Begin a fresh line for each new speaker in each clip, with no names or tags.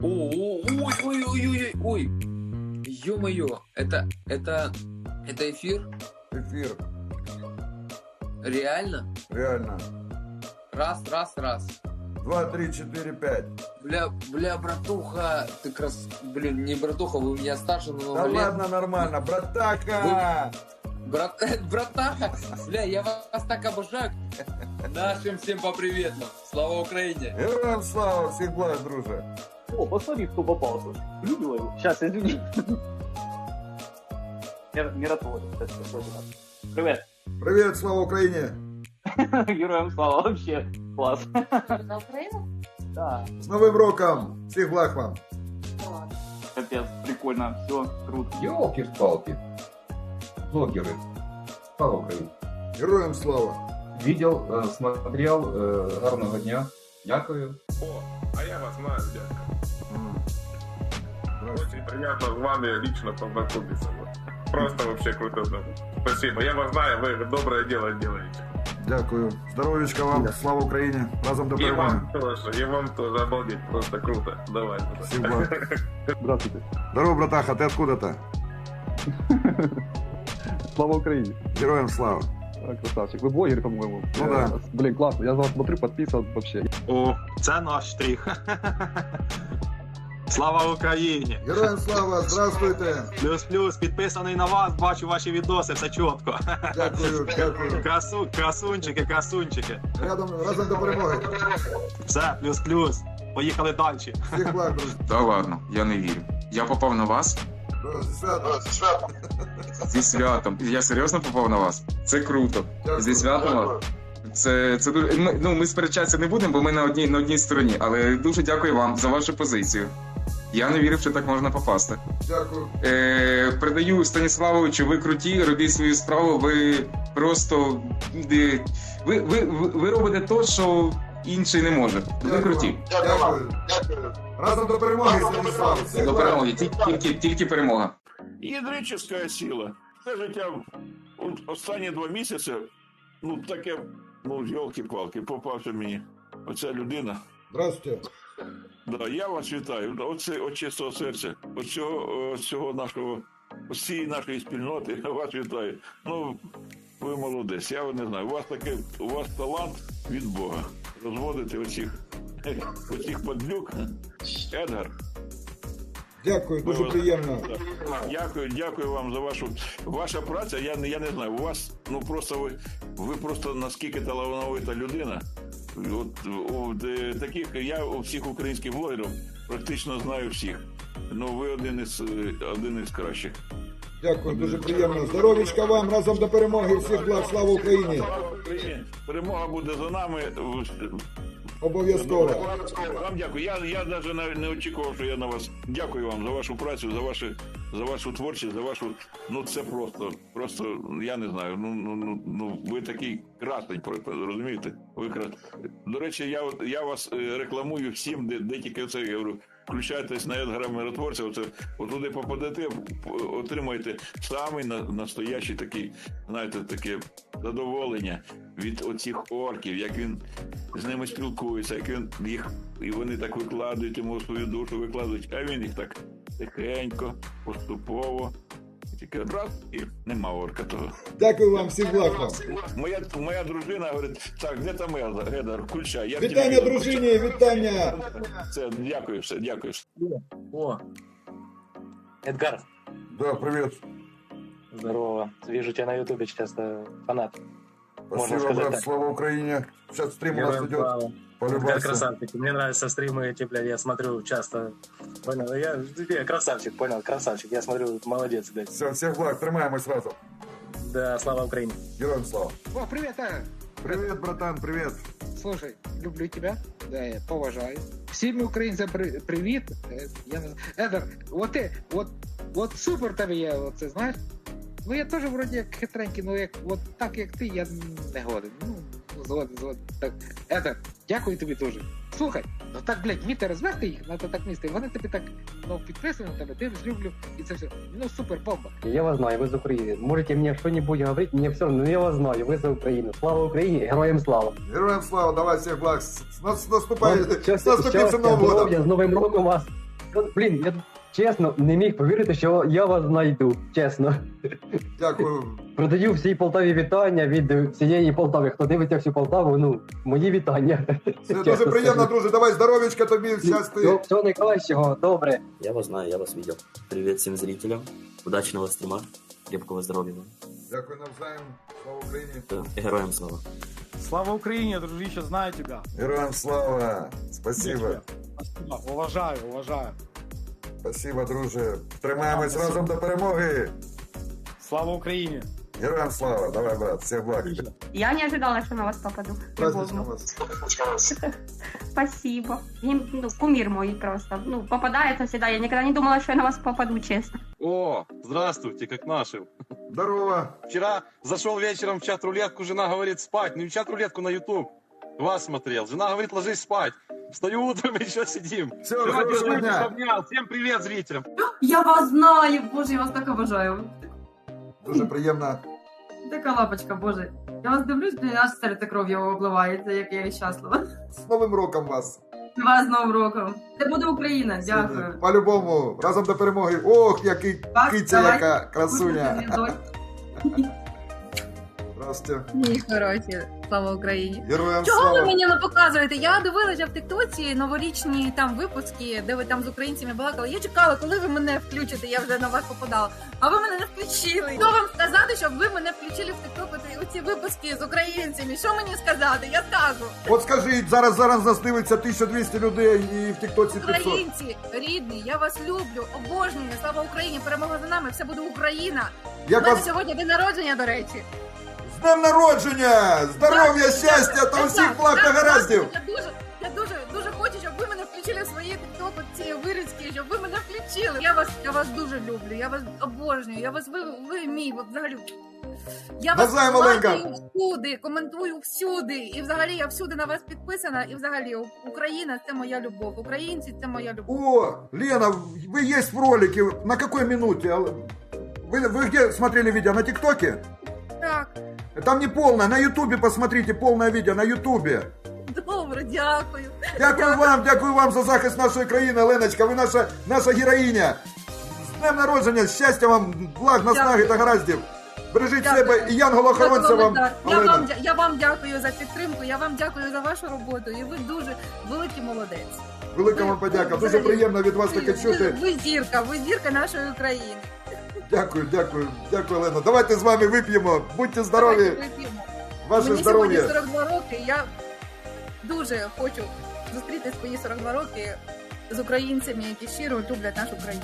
Ой, ё-моё, это эфир?
Эфир.
Реально?
Реально.
Раз.
2, 3, 4, 5.
Бля, братуха, ты блин, не братуха, вы меня старше на
Да
много лет.
ладно, нормально, братака!
Братаха, бля, я вас так обожаю. Нашим всем по приветам. Слава Украине.
Героям слава, всех благ, друже.
О, посмотри, кто попался. Любила его. Сейчас, извини. Миротворец. Привет.
Привет, слава Украине.
Героям слава, вообще класс.
На Украину?
Да,
С Новым роком. Всех благ вам.
капец, прикольно, все, круто.
Ёлки-палки. Блогеры. Слава Україні.
Героям слава.
Видел, смотрел, гарного дня. Дякую.
О, а я вас знаю, дядька. Очень приятно с вами лично познакомиться. Просто вообще круто. Спасибо. Я вас знаю, вы доброе дело делаете.
Дякую. Здоровечка вам, слава Україні. Разом до
И
перемоги.
вам тоже, обалдеть, просто круто. Давай.
Всех благ.
Здравствуйте.
Здорово, братаха, ты откуда-то?
Слава Украине.
Героям слава.
Красавчик. Вы блогер, по-моему.
Ну да.
Блин, классно. Я за вас смотрю, подписан вообще.
О, це наш штрих. Слава Україні!
Героям слава, здравствуйте.
Плюс-плюс, підписаний на вас, бачу ваші відоси, все чітко.
Дякую.
Красунчики.
Разом до перемоги.
Все, плюс-плюс. Поїхали далі.
Всіх благ, друзі.
Та ладно, я не вірю. Я попав на вас
Зі святом.
зі святом. Я серйозно попав на вас? Це круто.
Дякую.
Зі святом. Це дуже. Ми сперечатися не будемо, бо ми на одній стороні. Але дуже дякую вам за вашу позицію. Я не вірив, що так можна попасти.
Дякую.
Передаю Станіславовичу, ви круті, робіть свою справу, ви просто. Ви робите те, що інший не може. Ви круті.
Дякую. Разом до перемоги, Станіслав. Всіх
До
благ.
перемоги. Тільки перемога.
Ядрическая сила. Це життя останні 2 місяці, таке, йолки-палки, попався мені оця людина.
Здравствуйте.
Да, я вас вітаю. От чистого серця, цієї нашої спільноти, я вас вітаю. Ви молодець, я не знаю. У вас талант від Бога. Розводити оцих падлюк. Едгар.
Дякую, дуже приємно.
Дякую вам за ваша праця. Я не знаю, у вас, ви просто наскільки талановита людина. Я у всіх українських блогерів практично знаю всіх. Ви один із кращих.
Дякую, дуже приємно. Здоровічка вам, разом до перемоги. Всіх благ, слава Україні.
Слава Україні! Перемога буде за нами.
Обов'язково.
Вам дякую. Я навіть не очікував, що я на вас. Дякую вам за вашу працю, за вашу творчість, за вашу. Це просто, я не знаю. Ви такий красень, розумієте? До речі, я вас рекламую всім, де тільки це, я говорю, включайтесь на Едгара Миротворця, туди попадете, отримаєте самий настоящий такий, знаєте, таке задоволення від оцих орків, як він з ними спілкується, як він їх, і вони так викладають йому свою душу, викладають, а він їх так тихенько, поступово, тільки раз і нема орка того.
Дякую вам, всіх благ вам.
Моя дружина говорить, так, де там Едгар, включай.
Вітання, дружині, вітання.
Це, дякую.
О, Эдгар,
Да, привет.
здорово. Вижу тебя на ютубе часто, фанат. Можно
Спасибо,
сказать
брат,
так.
слава Украине. Сейчас стрим у нас идет.
Эдгар
Полюбайся.
красавчик. Мне нравятся стримы эти, блядь, я смотрю часто. Понял? Я красавчик, понял, красавчик. Я смотрю, молодец, блядь.
Все, всех благ, тримаємось разом.
Да, слава Украине.
Героям слава.
О, привет,
Привет, братан, привет.
Слушай, люблю тебя, да, я поважаю. Всім українцям привіт. Я не знаю. Едер, от супер тебе є, оце, знаєш? Я теж вроді як хитренький, так як ти, я не годен. Згоден. Так, Едер, дякую тобі дуже. Слухай, так, блядь, вміти розвести їх, надо так місти. Вони тобі так, підписані на тебе, дивись, люблю, і це все. Супер, бомба.
Я вас знаю, вы за Украину. Можете мне что-нибудь говорить, мне все равно, но я вас знаю, вы за Украину. Слава Украине, героям слава.
Героям слава, давай всех благ. С наступающим Новым
Счастья,
годом.
здоровья, с Новым роком вас. Блін, я чесно не міг повірити, що я вас знайду. Чесно.
Дякую.
Продаю всій Полтаві вітання від всієї Полтави. Хто дивиться всю Полтаву, ну, мої вітання.
Це дуже приємно, друже. Давай здоров'ячка тобі, щасти.
Всього найкращого, добре.
Я вас знаю, я вас видел. Привет всем зрителям. Удачного стрима. Крепкого здоровья вам.
Дякую навзаєм. Слава Україні.
Героям слава.
Слава Україні, дружище, знаю тебя.
Героям слава. Спасибо.
Спасибо, уважаю.
Спасибо, друже. Тримаємось разом до перемоги.
Слава Україні.
Героям слава. Давай, брат. Всіх благ.
Я не ожидала, что на вас попаду.
Праздничного вас.
Спасибо. Кумир мой просто. Попадается всегда. Я никогда не думала, что я на вас попаду, честно.
О, здравствуйте, как наши.
Здорово.
Вчера зашел вечером в чат-рулетку, жена говорит спать. Не в чат-рулетку, на YouTube. Вас смотрел. Жена говорит, ложись спать. Встаю утром, еще сидим.
Все, хорошего дня.
Обнял. Всем привет, зрителям.
Я вас знаю, боже, я вас так обожаю.
Дуже приємно.
Така лапочка, боже. Я вас дивлюсь, аж серце кров'ю обливається, як я щаслива.
З Новим роком вас.
Вас з Новим роком. Це буде Україна, дякую.
По-любому. Разом до перемоги. Ох, який киця,
давай.
яка красуня. Здравствуйте.
Ні, хороші. Слава Україні.
Героям
Чого ви
слава.
мені не показуєте? Я дивилася в тиктоці новорічні там випуски, де ви там з українцями балакали. Я чекала, коли ви мене включите, я вже на вас попадала. А ви мене не включили. Що вам сказати, щоб ви мене включили в тикток у ці випуски з українцями? Що мені сказати? Я скажу.
От скажіть, зараз нас дивиться 1200 людей і в тіктоці 500.
Українці, рідні, я вас люблю, обожнюю. Слава Україні, перемога за нами, все буде Україна. У
Як
мене
вас
сьогодні день народження, до речі.
з днем народження! Здоров'я, щастя та усіх благ та гараздів!
Я дуже хочу, щоб ви мене включили в свої тікток, ці вирізки, щоб ви мене включили. Я вас дуже люблю, я вас обожнюю, ви мій, взагалі. Я вас
Навзаєм, Оленка.
лайкаю всюди, коментую всюди, і взагалі я всюди на вас підписана, і взагалі Україна – це моя любов, українці – це моя любов.
О, Лена, вы есть в ролике. На какой минуте? Вы где смотрели видео? На ТикТоке?
Так,
Там не полное. На Ютубе посмотрите полное видео. На Ютубе.
добре, дякую.
Дякую вам за захист нашої країни, Леночка. Ви наша героїня. З днем народження, щастя вам, благ, наснаги та гараздів. Бережіть себе і янгола-охоронця вам, Олена.
Я вам дякую за підтримку, я вам дякую за вашу роботу, і ви дуже великий молодець.
Велика вам подяка. Дуже приємно від вас таке чути.
Ви зірка нашої України.
Дякую, Олена. Давайте з вами вип'ємо. Будьте здорові.
Давайте вип'ємо.
Ваше
Мені
здоров'я.
сьогодні 42 роки, я дуже хочу зустріти свої 42 роки з українцями, які щиро люблять нашу країну.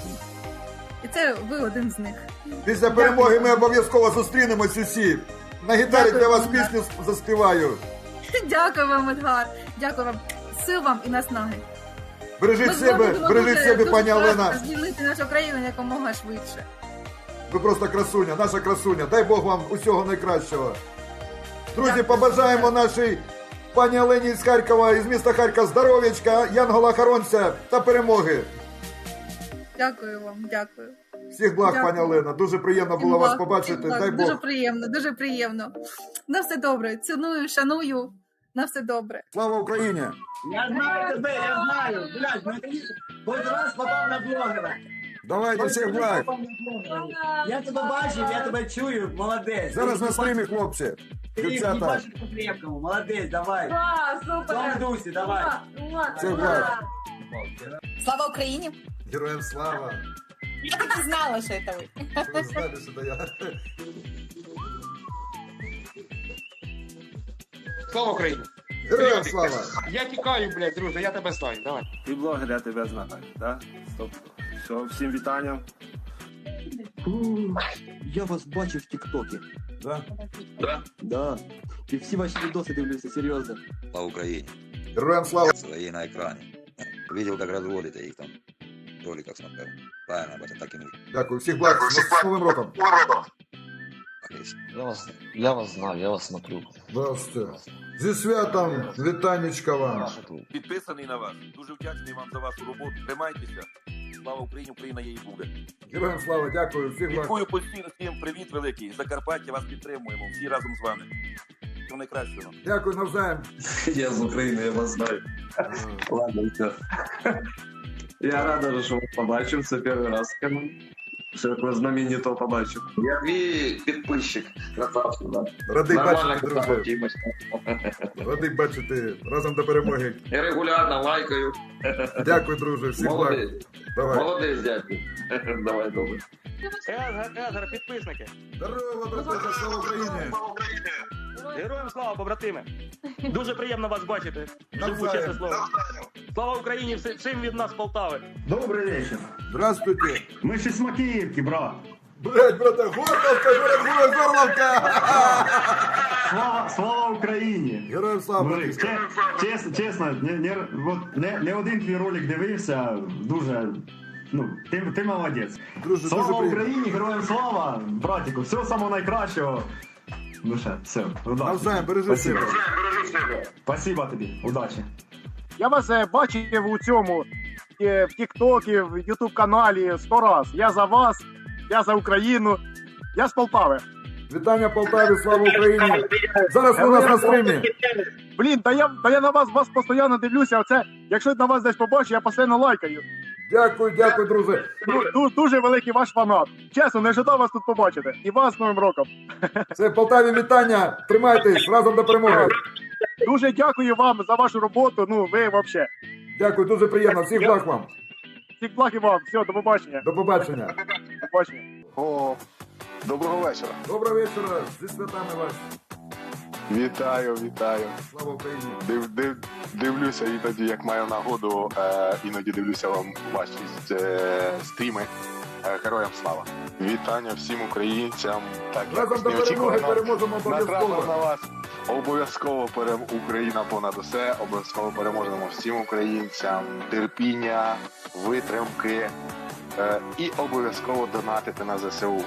І це ви один з них.
Після перемоги ми обов'язково зустрінемось усі. На гітарі для вас пісню заспіваю.
Дякую вам, Едгар. Дякую вам. Сил вам і наснаги.
Бережіть себе, пані Олена.
Звільнити нашу країну якомога швидше.
Ви просто красуня, наша красуня. Дай Бог вам усього найкращого. Друзі, побажаємо нашій пані Олені з Харкова, із міста Харкова, здоров'ячка, янгола-охоронця та перемоги.
Дякую вам, дякую.
Всіх благ,
Дякую.
пані Олена. Дуже приємно було вас побачити. Дай Бог.
Дуже приємно. На все добре. Ціную, шаную. На все добре.
Слава Україні!
Я знаю тебе, я знаю. Блядь, хоч раз попав на блогера.
Давайте, всіх благ.
Я тебе бачив, я тебе чую, молодець.
Зараз на стрімі, хлопці. Дівчата.
по-крепкому, молодець, давай.
Супер.
В дусі, давай.
Всіх благ.
Слава Україні!
Героям слава.
Я так і знала, що це ви.
Ви знали, що це я.
Слава Україні!
Героям слава.
Я тікаю, блядь, друже, я тебе знаю, давай.
Ти блогер, я тебе знаю, да? Стоп. Все, всім вітання.
Я вас бачив в тіктокі.
Да?
Да. І всі ваші відоси дивлюся, серйозно.
Слава Україні.
Героям слава.
Свои на экране. Видел, как разводите их там в роликах смотрел. Правильно, батя, так и нужно.
Дякую. Всіх благ. З Новим роком.
Я вас знаю, я вас смотрю.
Здравствуйте. Зі святом, вітанечка вам.
Підписаний на вас. Дуже вдячний вам за вашу роботу. Тримайтеся. Слава Україні, Україна є і буде.
Героям слава, дякую. Всіх благ.
Дякую постійно, всім привіт великий. Закарпаття вас підтримуємо. Всі разом з вами. Всього найкращого.
Дякую навзаєм.
Я з України, я вас знаю. Ладно, все.
Я рада, що побачив, це перший раз. Що такого знаменитого побачив. Я твій підписчик. Красавчик, да.
Радий
Нормально,
бачити, друже.
красавчик.
Радий бачити. Разом до перемоги.
Я регулярно лайкаю.
Дякую, друже. Всіх благ.
Молодець.
Давай.
Молодець, дякую. Давай, добре.
Едгар, підписники.
Здорово, брате, слава Україні!
Героям слава, побратими. Дуже приємно вас бачити. Живу,
Навзаєм.
чесне слово. Слава Україні, всім від нас Полтави.
Добрый вечер.
Здравствуйте.
Мы же с Макеевки, брат.
Блять, брате, Горловка, Горловка!
Слава Україні!
Героям слава!
Блин, чесно, не один твій ролик дивився, дуже, ти молодець.
Друже,
слава
дуже
Україні, героям слава, братику, всього самого найкращого. Все, удачі.
Навзаєм, бережи себе.
Спасибо тобі, удачі.
Я вас бачив у цьому, в Тік-Токі, в Ютуб-каналі 100 раз. Я за вас, я за Україну, я з Полтави.
Вітання Полтаві, слава Україні! Зараз ви у нас на стримі.
Блін, та я на вас постійно дивлюся, оце, якщо на вас десь побачу, я постійно лайкаю.
Дякую, друже.
Дуже великий ваш фанат. Чесно, не ожидав вас тут побачити. І вас з Новим роком.
Це Полтаві вітання. Тримайтесь, разом до перемоги.
Дуже дякую вам за вашу роботу, ви взагалі.
Дякую, дуже приємно. Всіх благ вам.
Всіх благ і вам. Все, до побачення.
До побачення.
До побачення.
О, доброго вечора.
Доброго вечора. Зі святами вас.
Вітаю.
Слава Україні.
Дивлюся іноді, як маю нагоду, іноді дивлюся вам ваші стріми. Героям слава. Вітання всім українцям. Так,
разом до перемоги переможемо обов'язково.
На вас. Обов'язково Україна понад усе. Обов'язково переможемо всім українцям. Терпіння, витримки і обов'язково донатити на ЗСУ.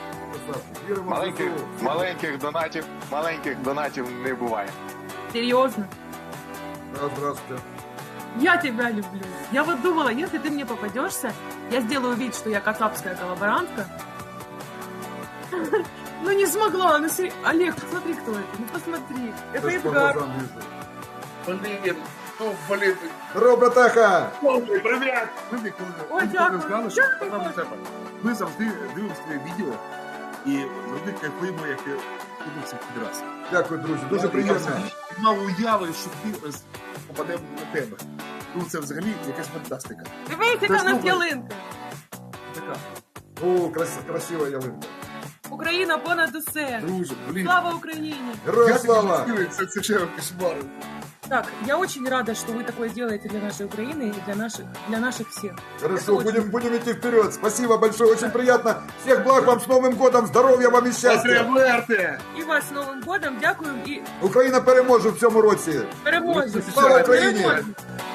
Маленьких донатів не буває.
Серьезно?
Да, здравствуйте.
Я тебя люблю. Я вот думала, если ты мне попадешься, я сделаю вид, что я кацапская коллаборантка. Ну не смогла, ну Олег, посмотри, кто это, ну посмотри. Это Эдгар.
Блин, ну блин.
Здорово, братаха!
Привет!
Ой, дякую.
Ми завжди дивимося твоє відео і завжди кайфуємо, як ти ходився під раз.
Дякую, друзі, дуже приємно.
Мав уяви, що ти попаде на тебе. Ну це взагалі якась фантастика.
Дивись, яка в нас ялинка.
Така.
О, красива ялинка.
Україна понад усе.
Друже, блін.
Слава Україні!
Героям слава!
Це ще кошмар.
Так, я очень рада, что вы такое делаете для нашей Украины и для наших всех.
Хорошо, будем идти вперед. Спасибо большое, очень приятно. Всех благ вам, с Новым годом, здоровья вам и счастья.
І вас з Новим годом, дякую і
Україна переможе в цьому році.
переможемо.
Слава Україні!
Переможемо.